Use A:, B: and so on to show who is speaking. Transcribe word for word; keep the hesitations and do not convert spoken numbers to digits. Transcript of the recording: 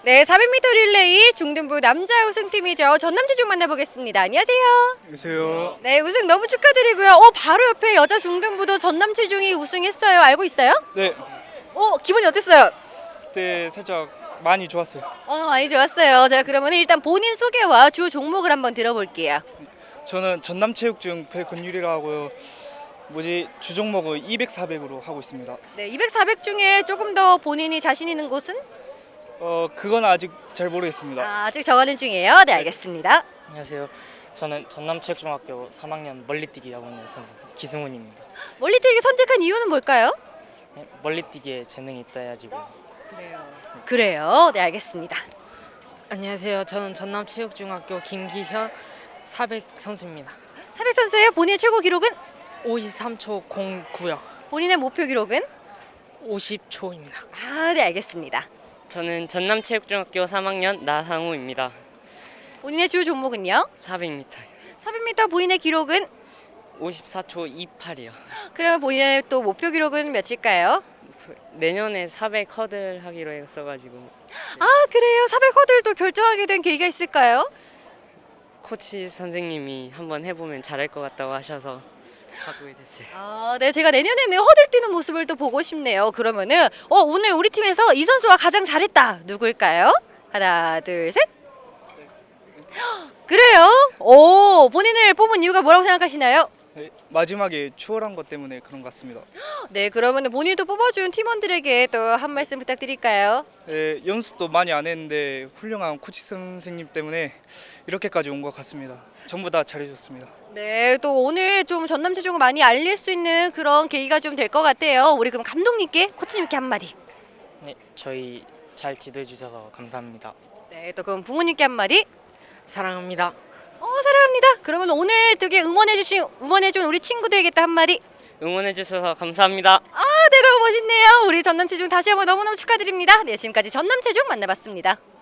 A: 네, 사백 미터 릴레이 중등부 남자 우승팀이죠. 전남체중 만나보겠습니다. 안녕하세요.
B: 안녕하세요.
A: 네, 우승 너무 축하드리고요. 어, 바로 옆에 여자 중등부도 전남체중이 우승했어요. 알고 있어요?
B: 네,
A: 어, 기분이 어땠어요?
B: 그때 살짝 많이 좋았어요.
A: 어, 많이 좋았어요. 자, 그러면 일단 본인 소개와 주 종목을 한번 들어볼게요.
B: 저는 전남체육중 배건율이라 하고요. 뭐지 주 종목은 이백, 사백으로 하고 있습니다.
A: 네, 이백, 사백 중에 조금 더 본인이 자신 있는 곳은?
B: 어 그건 아직 잘 모르겠습니다.
A: 아, 아직 정하는 중이에요. 네, 알겠습니다.
C: 안녕하세요. 저는 전남체육중학교 삼 학년 멀리뛰기 야구는 선수 기승훈입니다.
A: 멀리뛰기 선택한 이유는 뭘까요?
C: 네, 멀리뛰기에 재능이 있다 해가지고.
A: 그래요. 그래요. 네, 알겠습니다.
D: 안녕하세요. 저는 전남체육중학교 김기현 사백 선수입니다.
A: 사백 선수예요. 본인의 최고 기록은?
D: 오십삼 초 공구요.
A: 본인의 목표 기록은?
D: 오십 초입니다.
A: 아, 네, 알겠습니다.
E: 저는 전남체육중학교 삼 학년 나상우입니다.
A: 본인의 주 종목은요?
E: 사백 미터
A: 사백 미터 본인의 기록은?
E: 오십사 초 이십팔이요.
A: 그러면 본인의 또 목표 기록은 몇일까요?
E: 내년에 사백 허들 하기로 했어가지고
A: 아, 그래요. 사백 허들도 결정하게 된 계기가 있을까요?
E: 코치 선생님이 한번 해보면 잘할 것 같다고 하셔서 바꾸게 됐어요.
A: 아, 네, 제가 내년에는 허들 뛰는 모습을 또 보고 싶네요. 그러면은 어, 오늘 우리 팀에서 이 선수가 가장 잘했다. 누구일까요? 하나, 둘, 셋. 그래요? 오, 본인을 뽑은 이유가 뭐라고 생각하시나요?
B: 네, 마지막에 추월한 것 때문에 그런 것 같습니다.
A: 네, 그러면은 본인도 뽑아준 팀원들에게 또 한 말씀 부탁드릴까요?
B: 네, 연습도 많이 안 했는데 훌륭한 코치 선생님 때문에 이렇게까지 온 것 같습니다. 전부 다 잘해줬습니다.
A: 네, 또 오늘 좀 전남체중을 많이 알릴 수 있는 그런 계기가 좀 될 것 같아요. 우리 그럼 감독님께, 코치님께 한마디.
C: 네, 저희 잘 지도해 주셔서 감사합니다.
A: 네, 또 그럼 부모님께 한마디.
D: 사랑합니다.
A: 어, 사랑합니다. 그러면 오늘 되게 응원해주신 응원해준 우리 친구들에게 또 한마디.
E: 응원해주셔서 감사합니다.
A: 아, 네, 너무 멋있네요. 우리 전남체중 다시 한번 너무너무 축하드립니다. 네, 지금까지 전남체중 만나봤습니다.